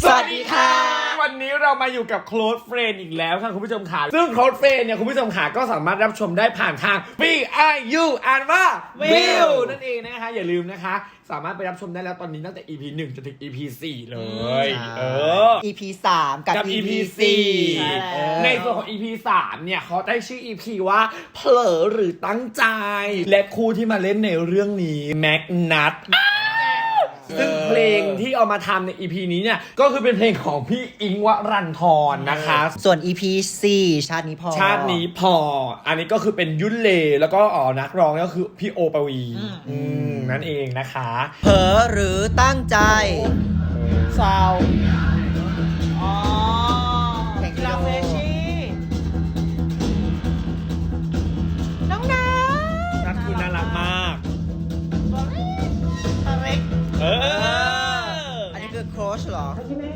สวัสดีค่ะวันนี้เรามาอยู่กับ Close Friend อีกแล้วค่ะคุณผู้ชมค่ะซึ่ง Close Friend เนี่ยคุณผู้ชมค่ะก็สามารถรับชมได้ผ่านทาง VIU อ่านว่า View นั่นเองนะคะอย่าลืมนะคะสามารถไปรับชมได้แล้วตอนนี้ตั้งแต่ EP 1 จนถึง EP 4 เลย EP 3 กับ EP 4 ในส่วนของ EP 3 เนี่ยเขาได้ชื่อ EP ว่าเผลอหรือตั้งใจ และคู่ที่มาเล่นในเรื่องนี้แม็กนัทซึ่งเพลงที่เอามาทำใน EP นี้เนี่ยก็คือเป็นเพลงของพี่อิงค์วรันทรนะคะส่วน EP 4 ชาตินี้พอชาตินี้พออันนี้ก็คือเป็นยุ่นเลแล้วก็นักร้องก็คือพี่โอปวีนั่นเองนะคะเผลอหรือตั้งใจซาวแข่งกีฬาเฟรชี่น้องน้ำนัทคือน่ารักมากตัวเล็กอันนี้คือโค้ชเหรอ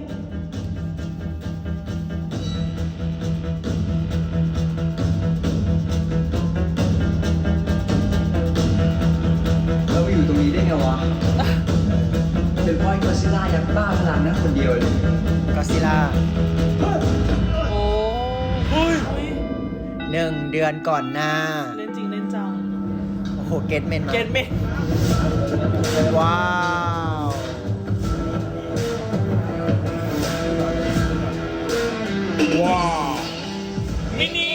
เราไปอยู่ตรงนี้ได้ไงวะ เป็นเพราะไอ้กอซิลล่ายักษ์บ้าพลังนั้นคนเดียวเลยก็ซิล่าโอ้ย 1 เดือนก่อนหน้าเล่นจริงเล่นจังโอ้โห เกตเมนมาเกตเมนว้าวว้าวมินิ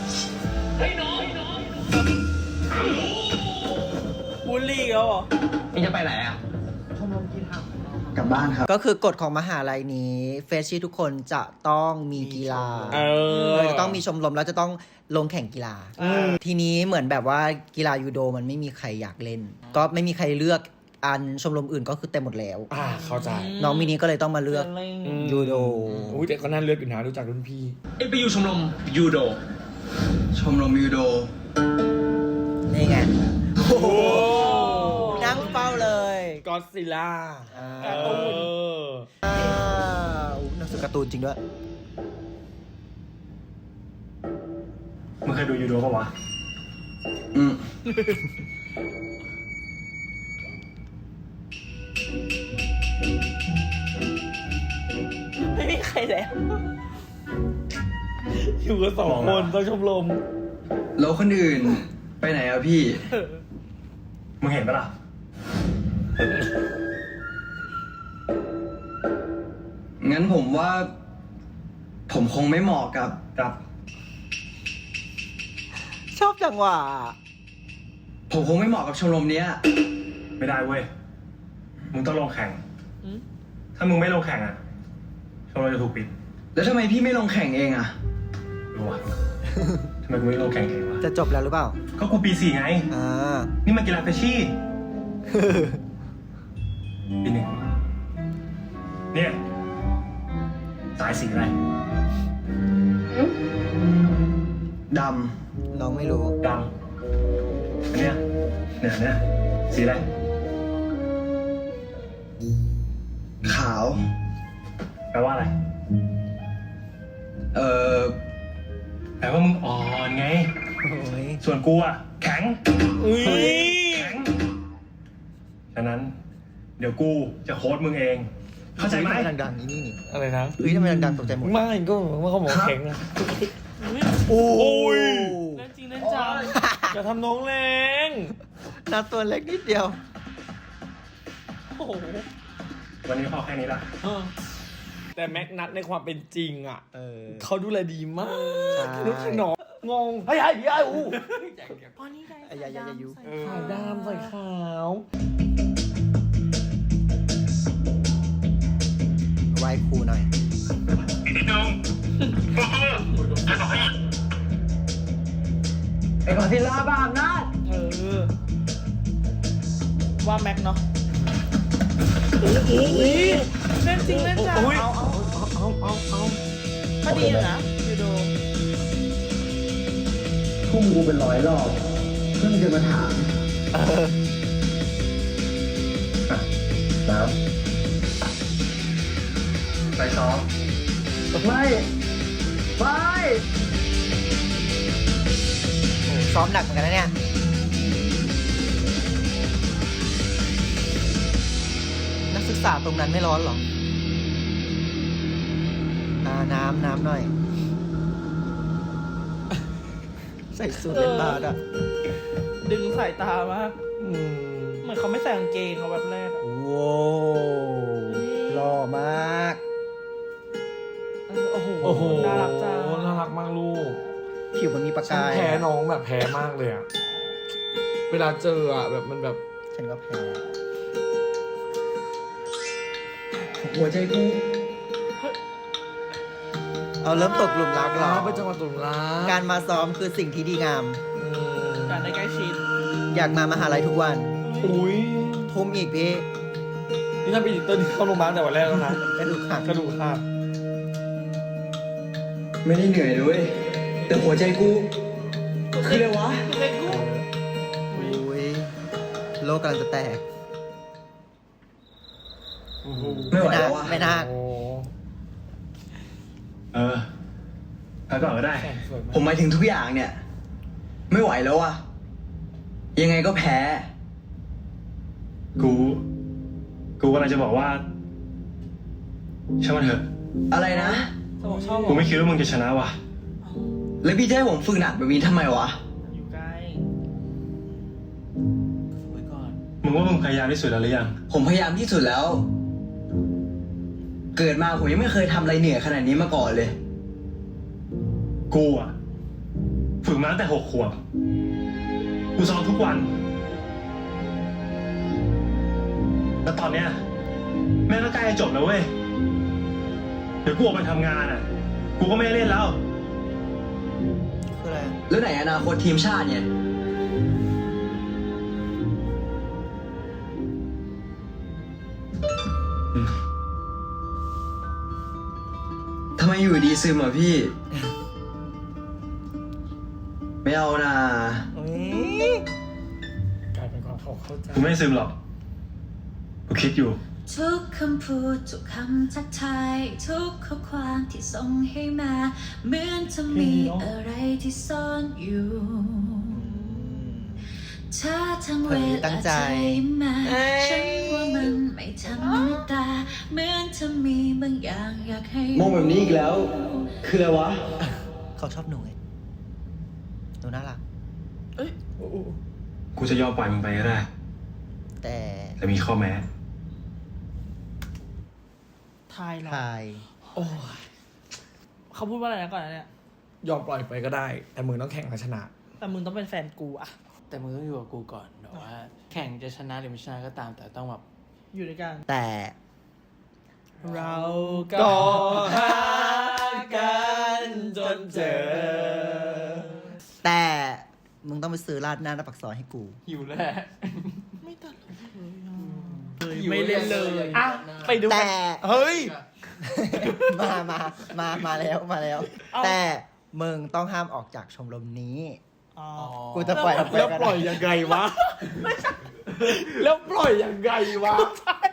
บูลลี่เขาเหรอนี่จะไปไหนอ่ะกลับบ้านครับก็คือกฎของมหาลัยนี้เฟรชชี่ทุกคนจะต้องมีกีฬา จะต้องมีชมรมแล้วจะต้องลงแข่งกีฬา ทีนี้เหมือนแบบว่ากีฬายูโดมันไม่มีใครอยากเล่น ก็ไม่มีใครเลือกอันชมรมอื่นก็คือเต็มหมดแล้วเข้าใจน้องมินิก็เลยต้องมาเลือกยูโดอุ้ยแต่ก็น่าเลือกอยู่นะรู้จักรุ่นพี่เอ็งไปอยู่ชมรมยูโดชมรมยูโดนี่ไงโอ้โหนั่งเฝ้าเลยก็ซิล่าอ่าหนังสือการ์ตูนจริงด้วยมึงเคยดูยูโดปะวะอืมไม่มีใครแล้วอยู่กัน2 คนต้องชมรมแล้วคนอื่นไปไหนอ่ะพี่มึงเห็นปะล่ะงั้นผมว่า ผมคงไม่เหมาะกับชอบจังหวะผมคงไม่เหมาะกับชมรมเนี้ยไม่ได้เว้ย มึงต้องลงแข่งอืมถ้ามึงไม่ลงแข่งอ่ะ ชมรมจะถูกปิดแล้วทำไมพี่ไม่ลงแข่งเองอ่ะรู้วะ ทำไมกูไม่ลงแข่งเองวะจะจบแล้วหรือเปล่าก็กูปี 4 ไงอ่านี่มันกีฬาเฟชชี่ ปี 1 เนี่ย สายสีอะไรดน้องไม่รู้ดำอันเนี้ยเนี่ยสีอะไรำ ขาวแปลว่าอะไรเอ่อแปลว่ามึงอ่อนไงโอ้ยส่วนกูอ่ะ แข็งอุ้ยแข็ง ฉะนั้น เดี๋ยวกูจะโค้ดมึงเอง เข้าใจไหมทำไมดังๆนี่อะไรนะเฮ้ยทำไมดังๆตกใจหมดไม่ก็ว่าเขาบอกแข็งอะโอ้ยเล่นจริงเล่นจังอย่าทำน้องแรงนัดตัวเล็กนิดเดียวโอ้โหวันนี้พอแค่นี้ละแต่แม็กนัทในความเป็นจริงอ่ะเออเขาดูแลดีมากใช่นุชนองงงเฮ้ยไอ้พี่ไอ้อูอ๋อนี่ไงอย่ายุขาวดำใส่ขาวไหว้ครูหน่อยไอ้กอซิลล่าบ้าอำนาจว่าแม็กเนาะเล่นจริงเล่นจังอุ้ยก็ดีอยู่นะยูโดพุ่งกูเป็น100 รอบ เพิ่งจะมาถามน้ำไปซ้อมไม่ ไม่โอ้ซ้อมหนักเหมือนกันนะเนี่ย นักศึกษาตรงนั้นไม่ร้อนเหรอน้ำหน่อย ใส่สูทเล่นบาสอ่ะดึงสายตามากเหมือนเขาไม่ใส่กางเกงเขาแบบแรกอะว้าวหล่อมากโอ้โหโอ้โหน่ารักจังน่ารักมากลูกผิวมันมีประฉันกายแพ้น้องแบบแพ้มากเลยอะเวลาเจออะแบบมันแบบฉันก็แพ้หัวใจกูเอาเริ่มตกหลุมรักเหรอเป็นจังหวะตุลาการมาซ้อมคือสิ่งที่ดีงามการได้ใกล้ชิดอยากมามหาลัยทุกวันอุ้ยทุ่มอีกพี่นี่ถ้าเป็นอีเตอร์นี่เข้าโรงพยาบาลแต่วันแรกแล้วนะกระดูกหักกระดูกหักไม่ได้เหนื่อยเลยเว้ยแต่หัวใจกูคืออะไรวะอุ้ยโลกกำลังจะแตกไม่ไหวแล้ววะไม่น่าโอ้พักก่อนก็ได้แข่งสวยผมหมายถึงทุกอย่างเนี่ย ไม่ไหวแล้วอะยังไงก็แพ้กูกำลังจะบอกว่าช่างมันเถอะอะไรนะจะบอกชอบเหรกูอไม่คิดว่ามึงจะชนะว่ะแล้วพี่จะให้ผมฝึกหนักแบบนี้ทำไมวะอยู่ใกล้ไว้ก่อนมึงว่ามึงพยายามที่สุดแล้วหรือยังผมพยายามที่สุดแล้ว เกิดมาผมยังไม่เคยทำอะไรเหนื่อยขนาดนี้มาก่อนเลยกูอ่ะฝึกมาตั้งแต่6 ขวบ กูซ้อมทุกวัน แล้วตอนเนี้ยแม่งก็ใกล้จะจบแล้วเว้ย เดี๋ยวกูออกไปทำงานอ่ะ กูก็ไม่ได้เล่นแล้วคืออะไรอะแล้วไหนอนาคตทีมชาติเนี่ยทำไมอยู่ดีซึมอ่ะพี่ ไม่เอานะอุ๊ยกลายเป็นความเข้าใจกูไม่ซึมหรอก กูคิดอยู่ทุกคำพูดทุกคำทักทายทุกข้อความที่ส่งให้มา เหมือนจะมีอะไรที่ซ่อนอยู่ถ้าทั้งเวลาใจมาฉันว่ามันไม่ธรรมดาเหมือนจะมีบางอย่างอยากให้มองแบบนี้อีกแล้ว คืออะไรวะเขาชอบหนูไงหนูน่ารักกูจะยอมปล่อยมึงไปก็ได้แต่แต่มีข้อแม้ทายเหรอทายโอ้ยเขาพูดว่าอะไรนะก่อนนะเนี่ยยอมปล่อยไปก็ได้ แต่มึงต้องแข่งมาชนะแต่มึงต้องเป็นแฟนกูอะแต่มึงต้องอยู่กับกูก่อนแบบว่า แข่งจะชนะหรือไม่ชนะก็ตาม แต่ต้องแบบอยู่ด้วยกันแต่เราก็ก็หากันจนเจอแต่มึงต้องไปซื้อราดหน้าปากซอยให้กูหิวแหละไม่ตัดเลยไม่เล่นเลยอ่ะไปดูแต่เฮ้ยมาแล้ว แต่มึงต้องห้ามออกจากชมรมนี้อ๋อกูจะปล่อยออกไปแล้วก็ปล่อยได้ยังไงวะ แล้วปล่อยยังไงวะ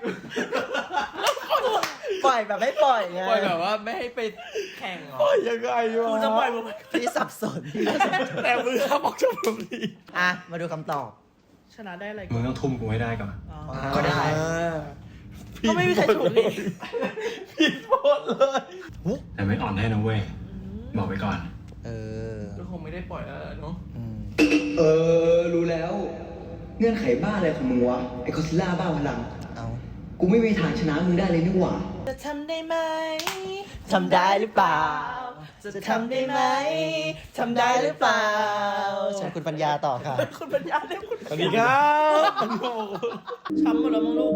ปล่อยแบบไม่ปล่อยไงปล่อยแบบว่าไม่ให้ไปแข่งเหรอปล่อยยังไงวะกูจะปล่อยมึงไปพี่สับสนแต่มือห้ามออกจากตรงนี้อ่ะ มาดูคำตอบชนะได้อะไรมึงต้องทุ่มกูให้ได้ก่อนอ๋อก็ได้ก็ไม่มีใครถูกนี่ผิดหมดเลยแต่ไม่อ่อนให้นะเว้ย บอกไว้ก่อนเออก็คงไม่ได้ปล่อยแล้วเนาะอืมรู้แล้ว เงื่อนไขบ้าอะไรของมึงวะ ไอ้คอซิล่าบ้าพลังเอากูไม่มีทางชนะมึงได้เลยนี่หว่าจะทำได้ไหมทำได้หรือเปล่า จะทำได้ไหม ทำได้หรือเปล่าเชิญคุณปัญญาต่อค่ะคุณปัญญาเรียกคุณสวัสดีครับช้ำหมดแล้วมั้งลูก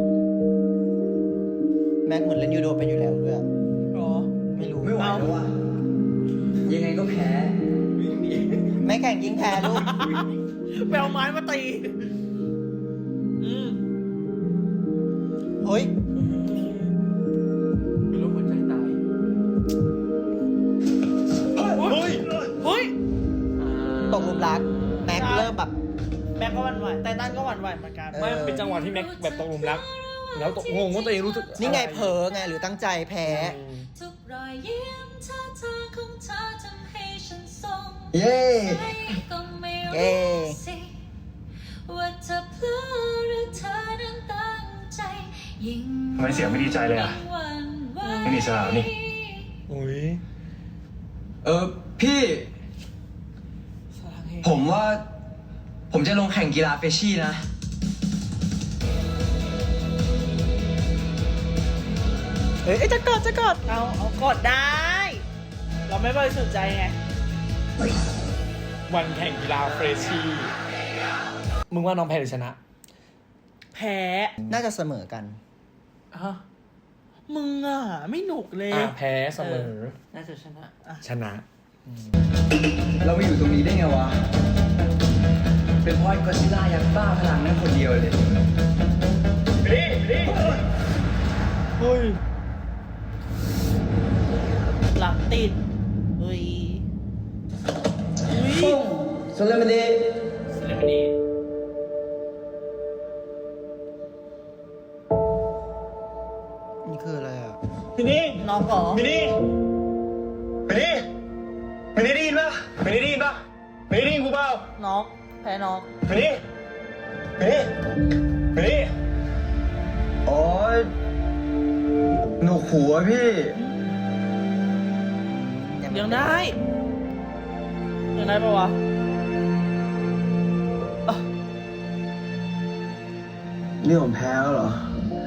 แม็กเหมือนเล่นยูโดเป็นอยู่แล้วด้วยหรอไม่รู้ไม่ไหวแล้วว่ะ ยังไงก็แพ้ไม่แข่งยิงแพ้ลูกไปเอาไม้มาตีเฮ้ยเป็นโรคหัวใจตายเฮ้ย เฮ้ยตกหลุมรัก แม็กเริ่มแบบแม็กก็หวั่นไหวไตตันก็หวั่นไหวเหมือนกันไม่มันเป็นจังหวะที่แม็กแบบตกหลุมรัก แล้วตกงงว่าตัวเองรู้สึกนี่ไงเผลอไงหรือตั้งใจแพ้ทุกรอยยิ้มท่าทางของเธอทำให้ฉันทรงเย้ใจก็ไม่เย้รู้สิว่าเธอเพลิดหรือเธอนั้นตั้งใจยิ่งทำไมเสียงไม่ดีใจเลยอะหวั่นไหวไม่มีสาวนี่อุ้ยพี่ ผมว่า ผมจะลงแข่งกีฬาเฟชชี่นะเอ้ยจะกดเอากดได้ เราไม่บริสุทธิ์ใจไงวันแข่งกีฬาเฟรชชี่มึงว่าน้องแพ้หรือชนะแพ้น่าจะเสมอกันฮะมึงอ่ะ ไม่หนุกเลยแพ้เสมอน่าจะชนะชนะเรามาอยู่ตรงนี้ได้ไงวะ เป็นเพราะไอ้ก็อดซิลล่ายักษ์บ้าพลังนั่นคนเดียวเลยเฮ้ยหลังติดเฮ้ยสเลมเดเซเลบริตี้นี่คืออะไรอ่ะมินี่น้องเหรอมินี่มินี่มินี่ได้ยินปะมินี่ได้ยินปะมินี่ได้ยินกูเปล่าน้องแพ้น้องมินี่มินี่มินี่โอ๊ยหนูหัวพี่ยังได้ปะวะนี่ผมแพ้แล้วเหรอ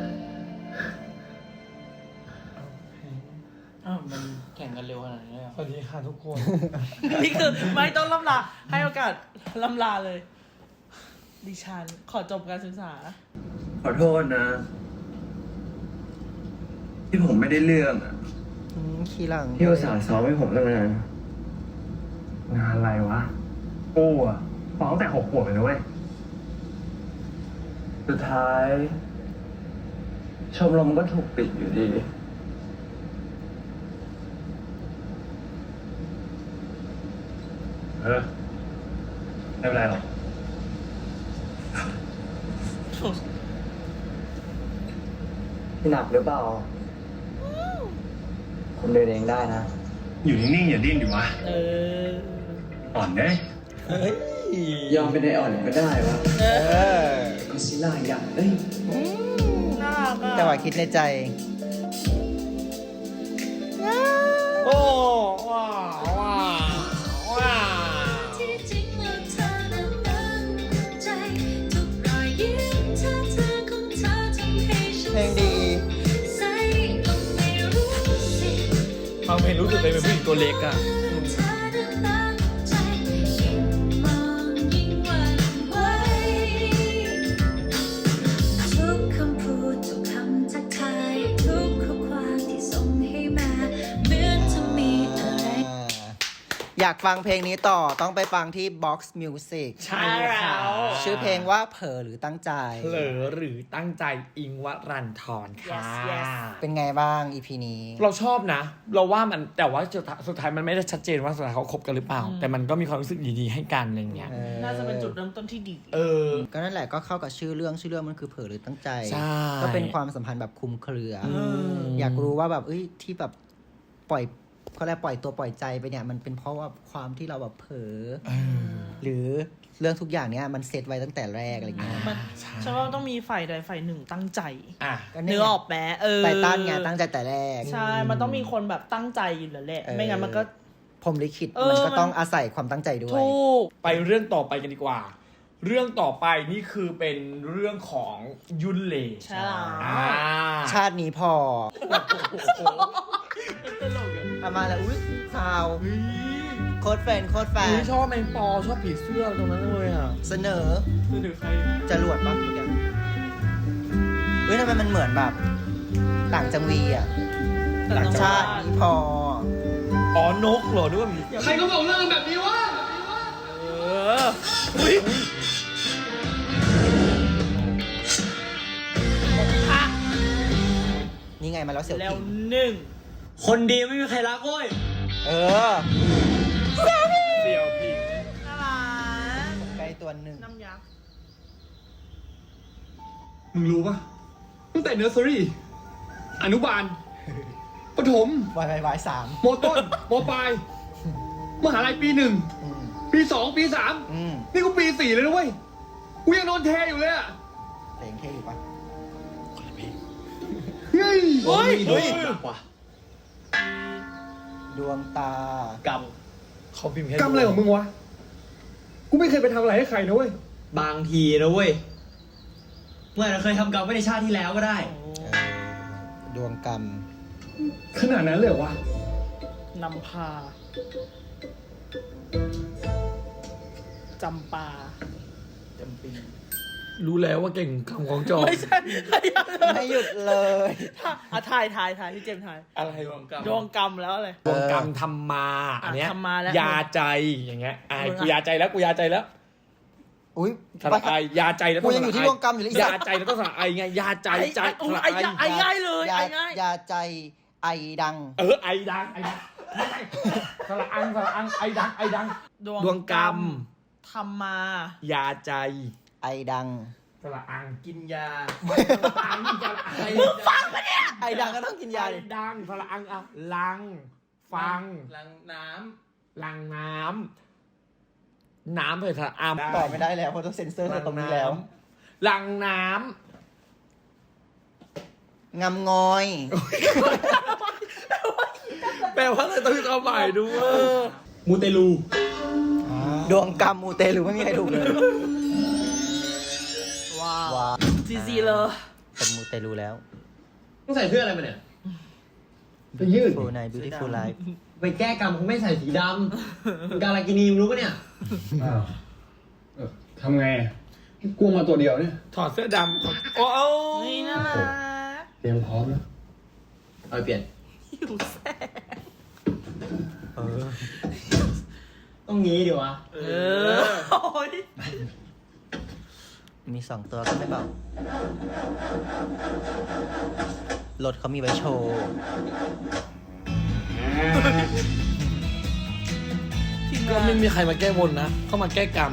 อ้าวมันแข่งกันเร็วขนาดนี้เลยเหรอสวัสดีค่ะทุกคนนี่คือไม่ต้องล่ำลา ให้โอกาสล่ำลาเลย ดิฉันขอจบการศึกษาขอโทษนะ ที่ผมไม่ได้เรื่องอะขี้หลังที่อุตส่าห์ซ้อมให้ผมตั้งนานงานอะไรวะกูอะฟ้องแต่6 ขวบเลยนะเว้ยสุดท้าย ชมรมก็ถูกปิดอยู่ดีไม่เป็นไรหรอกพี่หนักหรือเปล่า ผมเดินเองได้นะอยู่นิ่งๆอย่าดิ้นดิวะเอออ่อนเด้ยอมเป็นไออ่อนก็ได้วะเออก็อดซิลล่ายักษ์เอ้ยน่ารักอ่ะแต่ว่าคิดในใจโอ้ว้าวว้าวว้าวที่จริงแล้วเธอนั้นตั้งใจทุกรอยยิ้มท่าทางของเธอทำให้ฉันเพลงดีใส่ก็ไม่รู้สิฟังเพลงรู้สึกเป็นผู้หญิงตัวเล็กอะเธอนั้นตั้งใจยิ่งมองยิ่งหวั่นไหวทุกคำพูดทุกคำทักทายทุกข้อความที่ส่งให้มาเหมือนจะมีอะไรอยากฟังเพลงนี้ต่อต้องไปฟังที่ Box Music ใช่ค่ะชื่อเพลงว่าเผลอหรือตั้งใจเผลอหรือตั้งใจอิงวรันทรค่ะ Yes, yes เป็นไงบ้าง EP นี้เราชอบนะ เราว่ามันแต่ว่าสุดท้ายมันไม่ได้ชัดเจนว่าสุดท้ายเขาคบกันหรือเปล่า แต่มันก็มีความรู้สึกดีๆให้กันอะไรเงี้ยน่าจะเป็นจุดเริ่มต้นที่ดีเออก็นั่นแหละก็เข้ากับชื่อเรื่องมันคือเผลอหรือตั้งใจใช่ก็เป็นความสัมพันธ์แบบคลุมเครืออมอยากรู้ว่าแบบเอ้ยที่แบบปล่อยเขาเรียกปล่อยตัวปล่อยใจไปเนี่ยมันเป็นเพราะว่าความที่เราแบบเผลอหรือเรื่องทุกอย่างเนี้ยมันเซตไว้ตั้งแต่แรกอะไรเงี้ยมันฉันว่าต้องมีฝ่ายใดฝ่ายหนึ่งตั้งใจอ่ะก็เนื้อออกแม้ไตตันไงตั้งใจแต่แรกใช่ มันต้องมีคนแบบตั้งใจอยู่แล้วแหละเออไม่งั้นมันก็พรหมลิขิตเออมันก็มันต้องอาศัยความตั้งใจด้วยถูกไปเรื่องต่อไปกันดีกว่า เรื่องต่อไปนี่คือเป็นเรื่องของยุนเลใช่แล้วอ่าชาตินี้พอเอามาแล้วอุ้ยซาวโคตรแฟนอุ๊ยชอบแมงปอชอบผีเสื้อตรงนั้นเลยอ่ะเสนอคือถือใครจรวดปะเมื่อกี้เฮ้ยทำไมมันเหมือนแบบ ต่างจังวีอ่ะต่างจังหวัดชาตินี้พออ๋อนกเหรอด้วยใครก็บอกเรื่องแบบนี้วะเอออุ้ยนี่ไงมาแล้วเสี่ยวแล้วผิงหนึ่งคนดีไม่มีใครรักเว้ยเออเสี่ยวผิงน่ารักใกล้ตัวหนึ่งน้ำยักษ์มึงรู้ปะตั้งแต่เนอร์เซอรี่ อนุบาล ประถมวายสามมต้น มปลาย มหาลัยปี 1 ปี 2 ปี 3 นี่กูปี 4 เลยนะเว้ย กูยังนอนเทอยู่เลยอะเพลงเท่อยู่ปะเฮ้ยเฮ้ยเฮ้ยเดวงตากรรมเขาพิมพ์แค่กรรมอะไรของมึงวะ กูไม่เคยไปทำอะไรให้ใครนะเว้ยบางทีนะเว้ยเมื่อเราเคยทำกรรมไว้ในชาติที่แล้วก็ได้ดวงกรรมขนาดนั้นเลยเหรอวะนำพา จำปาจำปีรู้แล้วว่าเก่งคำของจอไม่ใช่ไม่หยุดเลยถ่ายพี่เจมส์ถ่ายอะไรรวมกับดวงกรรมแล้วอะไรดวงกรรมทำมาอันเนี้ยทำมาแล้วยาใจอย่างเงี้ยกูยาใจแล้วกูยาใจแล้วอุ้ยสระไอยาใจแล้วกูยังอยู่ที่ดวงกรรมอยู่เลยยาใจแล้วต้องสระไอไงยาใจใจสระไอไอ้ง่ายเลยยาไอ้ง่ายยาใจไอดังไอดังไอดังสระอังไอดังดวงกรรมทำมายาใจไอดังสระอังกินยาอังสระไอฟังปะเนี่ยไอดังก็ต้องกินยาดิดังสระอังอะลัง ฟังลังน้ลังน้ำน้ำเลยสระอังตอบไม่ได้แล้วเพราะต้องเซ็นเซอร์ตรงนี้แล้วลังน้งำงอยำแปลว่าอะไรต้องมีความหมายด้วยมูเตลูดวงกรรมมูเตลูไม่มีใครถูกเลยว้าวว้าจีเลยเป็นมูเตลูแล้วต้องใส่เสื้ออะไรมาเนี่ยไปยืด Full Night Beautiful Life ไปแก้กรรมคงไม่ใส่สีดำมึงการากินีมึงรู้ปะเนี่ยอ้าวทำไงกลัวมาตัวเดียวเนี่ยถอดเสื้อดำโอ้นี่น่ารักเตรียมพร้อมแล้วเอาไปเปลี่ยนหิวแซ่บต้องงี้ดิวะโอ้ยมี2 ตัวก็ไม่เบา รถเขามีไว้โชว์ก็ไม่มีใครมาแก้บนนะ เข้ามาแก้กรรม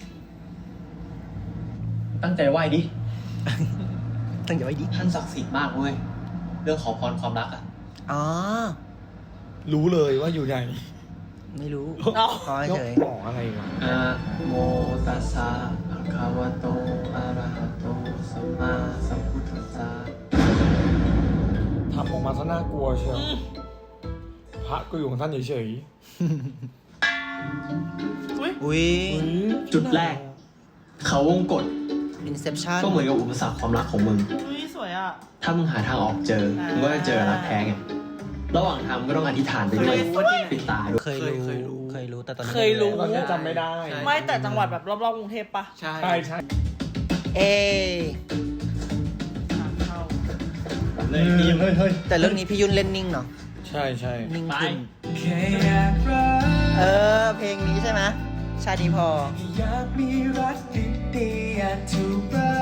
ตั้งใจไหว้ดิตั้งใจไว้ดิท่านศักดิ์สิทธิ์มากเว้ย เรื่องขอพรความรักอ่ะอ๋อรู้เลยว่าอยู่ไหนไม่รู้เอาขอให้ยกเฉยหมออะไรวะอะโมตัสสะภะคะวะโต อะระหะโต สัมมาสัมพุทธัสสะทำออกมาซะน่ากลัวเชียวพระก็อยู่ของท่านเฉยอุ้ยๆจุดแรก เขาวงกฏ Inception ก็เหมือนกับอุปสรรคความรักของมึงอุ้ยสวยอ่ะถ้ามึงหาทางออกเจอ มึงก็จะเจอรักแท้ไง ระหว่างทางมึงก็ต้องอธิษฐานไปด้วยเคยรู้ปิดตาด้วยเคยรู้ แต่ตอนนี้เคยรู้ตอนนี้จำไม่ได้ไม่แต่จังหวัดแบบรอบๆกรุงเทพปะำใช่ใช่เอทางเข้าเฮ้ยเฮ้ยแต่เรื่องนี้พี่ยุ่นเล่นนิ่งเนาะใช่ใช่นิ่งขึ้น เพลงนี้ใช่ไหมชาดีพออยากมีรักดีๆอยากถูกรั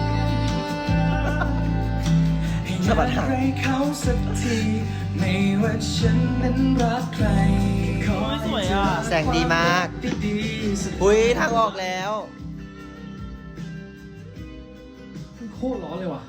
กสะบัดหางให้เขาสักทีไม่ว่าฉันนั้นรักใครขอสวยอ่ะแสงดีมากดีๆสักอุ้ยทางออกแล้วโคตรร้อนเลยว่ะ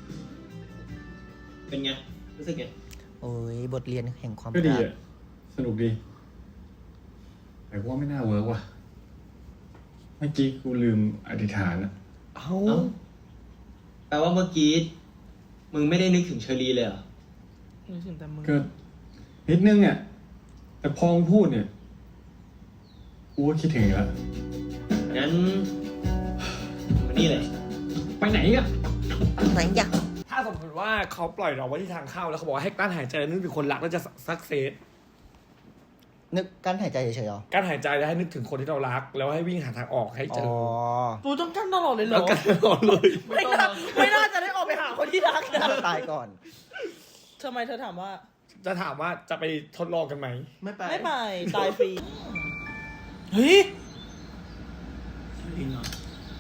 เป็นไง รู้สึกไงโอ้ยบทเรียนแห่งความก็ดีรักอ่ะ สนุกดี แต่ว่าไม่น่าเวิร์กว่ะ เมื่อกี้กูลืมอธิษฐานอ่ะเอ้าเอ้า แปลว่าเมื่อกี้ มึงไม่ได้นึกถึงเชอรีเลยเหรอนึกถึงแต่มึงก็นิดนึงอ่ะ แต่พอมึงพูดเนี่ย กูก็คิดถึงอีกแล้วงั้นมานี่เลยไปไหนอ่ะไหนอยากถ้าสมมติว่าเขาปล่อยเราไว้ที่ทางเข้าแล้วเขาบอกว่าให้กลั้นหายใจนึกถึงคนรักแล้วจะสักเซสนึกกั้นหายใจเฉยๆเหรอกั้นหายใจแล้วให้นึกถึงคนที่เรารัก แล้วให้วิ่งหาทางออกให้เจอ๋ออปูต้องกั้นตลอดเลยเหรแล้วอกันตลอดเลยไม่น่าจะได้ออกไปหาคนที่รักนะตายก่อนทำไมเธอถามว่าจะถามว่าจะไปทดลองกันไหมไม่ไปไม่ไป ตายฟรี เฮ้ยจริงเหรอ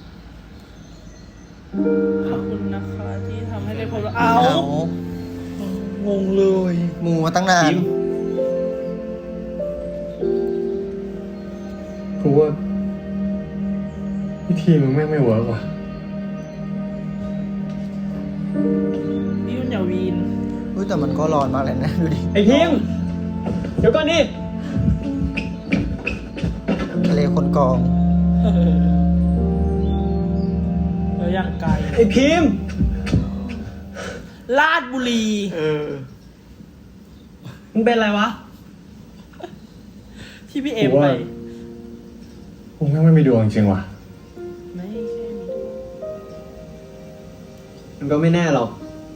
ขอบคุณนะคะที่ทำให้ได้พบว่าเอางงเลยหมูมาตั้งนานกูว่าวิธีมึงแม่งไม่เวิร์กว่ะพี่ยุ่นอย่าวีนอุ้ยแต่มันก็ร้อนมากเลยนะ ดูดิไอพิมพ์เดี๋ยวก่อนดิทะเลคนกองแล้วอย่างไกลไอพิมพ์ลาดบุรีมึงเป็นอะไรวะที่พี่เอ็มไปกูแม่งไม่มีดวงจริงว่ะไม่ใช่มีดวงมันก็ไม่แน่หรอก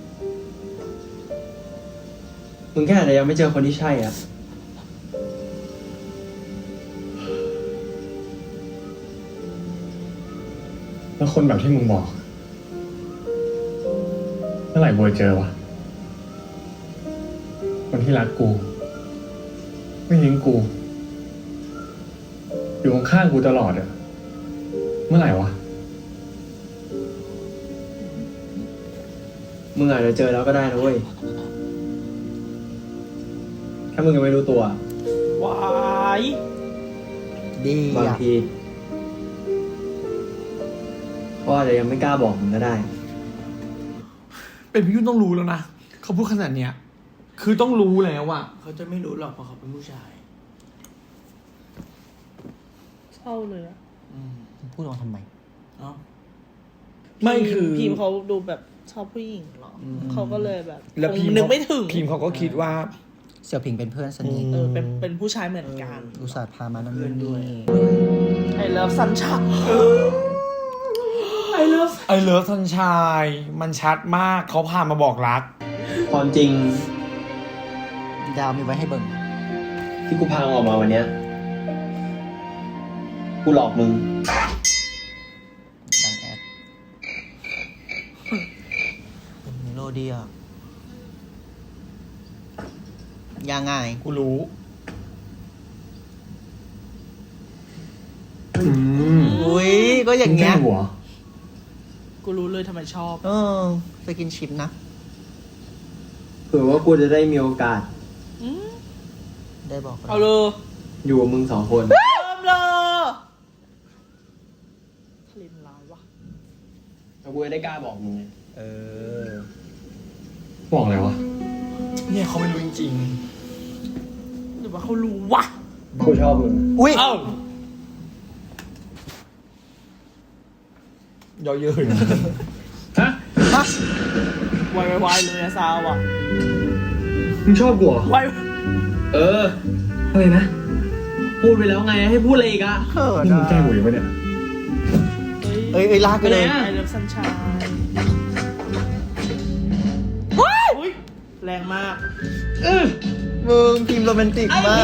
มึงแค่อาจจะยังไม่เจอคนที่ใช่อ่ะแล้วคนแบบที่มึงบอก เมื่อไหร่บัวเจอวะ คนที่รักกู ไม่ทิ้งกู อยู่ข้างๆกูตลอดอะเมื่อไหร่วะมึงอาจจะเจอแล้วก็ได้นะเว้ย แค่มึงยังไม่รู้ตัววายดีบางอ่ะทีเขาอาจจะยังไม่กล้าบอกมึงก็ได้เป็นพี่ยุ่นต้องรู้แล้วนะเขาพูดขนาดเนี้ยคือต้องรู้แล้วอะเขาจะไม่รู้หรอกเพราะเขาเป็นผู้ชายเศร้าเลยอะพูดออกมาทำไมเนาะไม่คือพิมพ์เขาดูแบบชอบผู้หญิงเหรอเขาก็เลยแบบแล้วคพิงมพ์นึกไม่ถึงพิมพ์เขาก็คิดว่าเสี่ยวผิงเป็นเพื่อนสนิทเป็นผู้ชายเหมือนกันอุตส่าห์พามานั่นนู่นนี่ไอเลิฟซันชาไอเลิฟไอเลิฟสันชายมันชัดมากเขาพามาบอกรักความจริงดาวมีไว้ให้เบิ่งที่กูพามึงออกมาวันเนี้ย กูหลอกมึงดังแอดโลเดียยังไงกูรู้อุ้ยก็อย่างเงี้ยมึแกล้หัวกูรู้เลยทำไมชอบสกินชิปนะเผื่อว่ากูจะได้มีโอกาสได้บอกเอาเลยอยู่กับมึงสองคนเริ่มเลยทะเลมันร้ายวะแล้วกูจะได้กล้าบอกมึงไงบอกอะไรวะเนี่ยเขาไม่รู้จริงหรือว่าเขารู้วะกูชอบมึงอุ้ยๆเอ้าย่อเยอะเลยฮะวายวายเลยอะซาวอะมึงชอบกูเหรอวายเออเฮ้ยนะ พูดไปแล้วไงให้พูดอะไรอีกอะเขินนี่มึงแกล้งอ่ะกูอยู่ปะเนี่ยเอ้ยลากไปเลยไปไหนอะไอเลิฟซันชายอุ้ยแรงมากมึงพิมพ์โรแมนติกมาก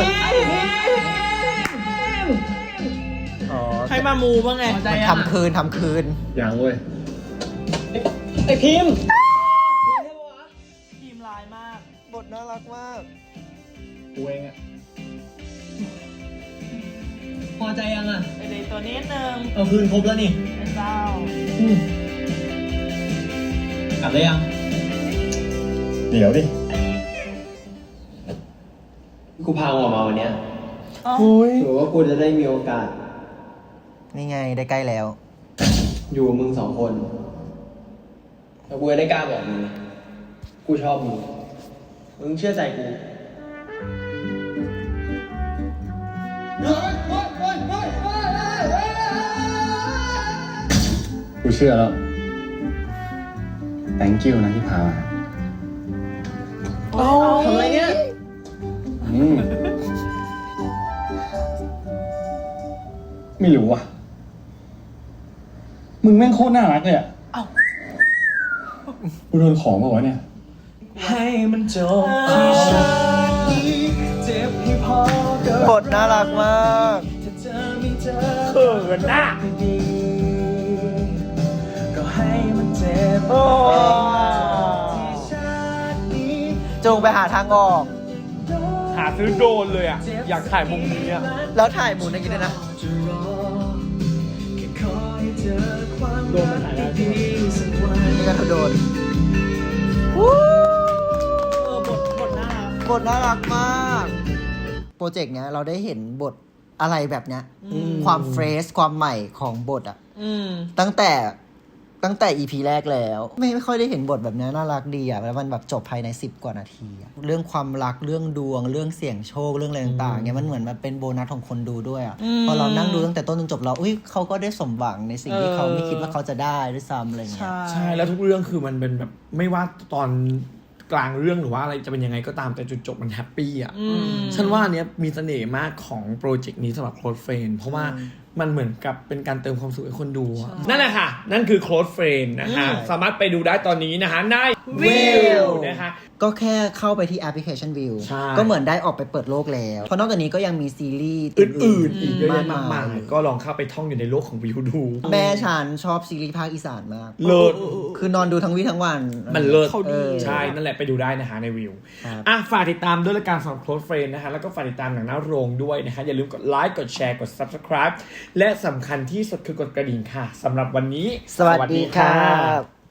อ๋อให้มามูบ้างไงมันทำคืนยังเว้ยไอพิมพ์ทีมลายมากบทน่ารักมากกูเองอะพอใจยังอะไอเดย์ตัวนี้นึงเอาคืนครบแล้วนี่ไอเจ้ากลับได้ยังเดี๋ยวดิกูพามึงออกมาวันเนี้ยอ๋อเผื่อว่ากูจะได้มีโอกาสนี่ไงได้ใกล้แล้วอยู่กับมึงสองคน แล้วกูจะได้กล้าบอกมึงไงกูชอบมึง มึงเชื่อใจกูกูเชื่อแล้ว thank you นะที่พามาทำอะไรเนี่ยไม่รู้ว่ะ มึงแม่งโคตรน่ารักเลยอ่ะเอ้ากูโดนของมาวะเนี่ยให้มันจบบทน่ารักมากเขินน่ะโอ้จงไปหาทางออกหาซื้อโดรนเลยอ่ะ อยากถ่ายมุมนี้อ่ะแล้วถ่ายหมุนอย่างนี้ด้วยนะโดนมันถ่ายได้ใช่ไหมนี่ก็โดนบทน่ารักบทน่ารักมาก โปรเจกต์เนี้ยเราได้เห็นบทอะไรแบบเนี้ย ความเฟรชความใหม่ของบทอะ ตั้งแต่ EP แรกแล้ว ไม่ค่อยได้เห็นบทแบบนี้น่ารักดีอะแล้วมันแบบจบภายใน10 กว่านาทีอะเรื่องความรักเรื่องดวงเรื่องเสี่ยงโชคเรื่องอะไรต่างๆเนี่ยมันเหมือนมันเป็นโบนัสของคนดูด้วยอะพอเรานั่งดูตั้งแต่ต้นจนจบแล้วอุ้ยเขาก็ได้สมหวังในสิ่งที่เขาไม่คิดว่าเขาจะได้ด้วยซ้ำอะไรเงี้ยใช่ แล้วทุกเรื่องคือมันเป็นแบบไม่ว่าตอนกลางเรื่องหรือว่าอะไรจะเป็นยังไงก็ตามแต่จุดจบมันแฮปปี้อ่ะฉันว่าอันเนี้ยมีเสน่ห์มากของโปรเจกต์นี้สำหรับ Close Friend เพราะว่ามันเหมือนกับเป็นการเติมความสุขให้คนดูอะนั่นแหละค่ะ นั่นคือ Close Friend นะคะสามารถไปดูได้ตอนนี้นะคะในวิวนะคะก็แค่เข้าไปที่แอปพลิเคชันวิวใช่ก็เหมือนได้ออกไปเปิดโลกแล้วเพราะนอกจากนี้ก็ยังมีซีรีส์อื่นๆอีกเยอะแยะมากมามาย ยก็ลองเข้าไปท่องอยู่ในโลกของวิวดูแม่ฉันชอบซีรีส์ภาคอีสานมากเลิศคือนอนดูทั้งวี่ทั้งวันมันเลิศเขาดีใช่ นั่นแหละไปดูได้นะคะในวิวครับอ่ะฝากติดตามด้วยละกันสำหรับ Close Friend นะคะแล้วก็ฝากติดตามหนังหน้าโรงด้วยนะคะอย่าลืมกดไลค์กดแชร์กด Subscribe และสำคัญที่สุดคือกดกระดิ่งค่ะสำหรับวันนี้สวัสดีครับ